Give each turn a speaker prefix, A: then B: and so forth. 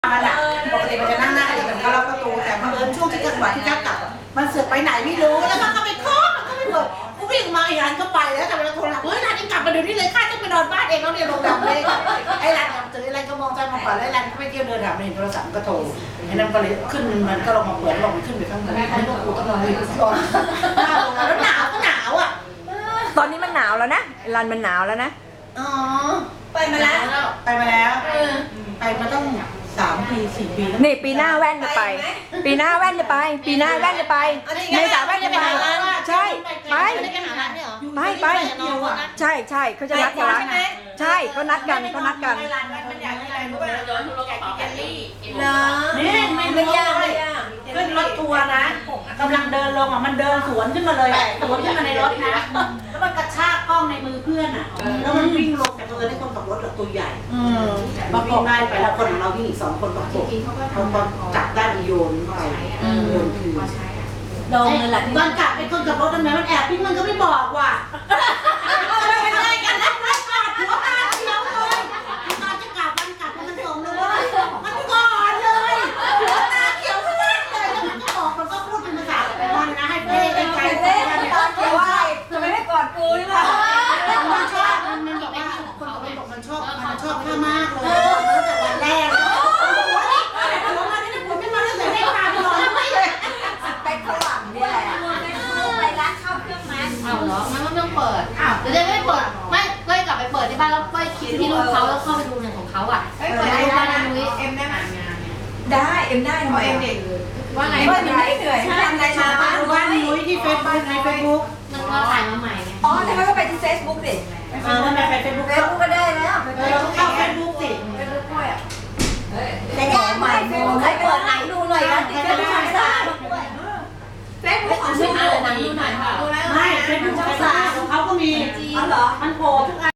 A: มันอะปกติมันจะนั่งหน้ากันก็ล็อกประตูแต่เผอิญช่วงที่จังหวะที่เจ้ากลับมันเสือกไปไหนไม่รู้แล้วมันก็ไปเคาะมันก็ไปเปิดกูวิ่งมาไอ้ร้านก็ไปแล้วแต่เวลาโทรหาเฮ้ยร้านนี้กลับมาเดี๋ยวนี้เลยข้าจะไปนอนบ้านเองแล้วเนี่ยโรงแรมเลยไอ้ร้านเจอไอ้ร้านก็มองใจมองขวาแล้วไอ้ร้านก็ไปเที่ยวเดินหาเห็นโทรศัพท์ก็โทรไอ้นั่นก็เลยขึ้นมันก็ลงมาเปิดลงมันขึ้นไปข้างบนไอ้พวกกูต้องนอนอยู่ก่อนแล้วหนาวก็หนาวอ่ะ
B: ตอนนี้มันหนาวแล้วนะรันมันหนาวแล้วนะ
A: อ๋อไปมาแล้วไปมาแล้วไปมาต้อง3 ปี 4 ปี
B: นี่ปีหน้าแว่นจะไป ปีหน้าแว่นจะไป ปีหน้าแว่นจะไปในสาวแว่นจะไปใช่ไปไปใช่ใช่เขาจะนัดกันใช่เขานัดกันเขานัดกัน
A: นี่ไม่ยากเลยขึ้นรถทัวร์นะกำลังเดินลงอ่ะมันเดินสวนขึ้นมาเลยสวนขึ้นมาในรถนะแล้วมันกระชากกล้องในมือเพื่อนอ่ะแล้วมันวิ่งลงแต่เพื่อนให้คนขับรถตัวใหญ่พอวิ่งได้ไปแล้วคนของเราวิ่งอีก2 คนประกบเขาก็จับได้โยนไปโยนคือโดนเลยแหละตอนกลับเป็นคนขับรถทำไมมันแอบพี่มันก็ไม่บอกว่ะไม่ได้กันนะหัวตาเขียวเลยตอนจะกลับมันส่งเลยมันก่อนเลยหัวตาเขียวขึ้นเลยแล้วมันก็บอกมันก็พูดเป็นภาษามันนะให้เพ่ให้ใครเพ่ตอนเขียวว่า
B: ทำไมไม่กอดกูนี่ล่ะ
A: มันชอบมันบอกว่าคนขับรถบอกมันชอบข้ามากเลยตั้งแต่วันแรกแล้วมาเนี่ยผมไม่มาตั้งแต่แรกตาไปนอนไม่เลย
B: ไปฝรั่งนี่แหละ
C: ไปร้านข้าวเครื่องมันเอาเหรองั้นก็ต้องเปิดเดี๋ยวไม่เปิดไม่ก็กลับไปเปิดที่บ้านแล้วก็คิดที่ลูกเขาแล้วเข้าไปดูเงินของเขาอ่ะเปิดดูบ้านนุ้ย
B: เอ็มได้ไหมได้เอ็มได้ทำไมเอ็มเด็ก
C: ว่าไง
B: ว่ามันไม่เหนื่อยทำอะไรมา
A: บ้านนุ้ยที่เฟซบุ๊กในเฟซบุ๊ก
C: มันก็ถ่ายมาใหม่ไง
B: อ๋อแต่ก็ไปที่เฟซบุ๊กดิ
A: ทำไมไปเฟซบุ๊ก
B: ก็ได้แล้ว
A: เข้าเฟซบุ๊กสิ
B: เฟซบุ๊กด้วยอ่ะแต่แย่ใหม่ใครเปิดหนังดูหน่อยนะติดเฟซบุ๊กไม่ได้เฟซบุ๊กของช่อง
C: หนังดูหน่อยค่ะ
A: ไม่เฟซบุ๊กของเขาก็มี
B: อ๋อเหรอ
A: มันโผล่ทุกอัน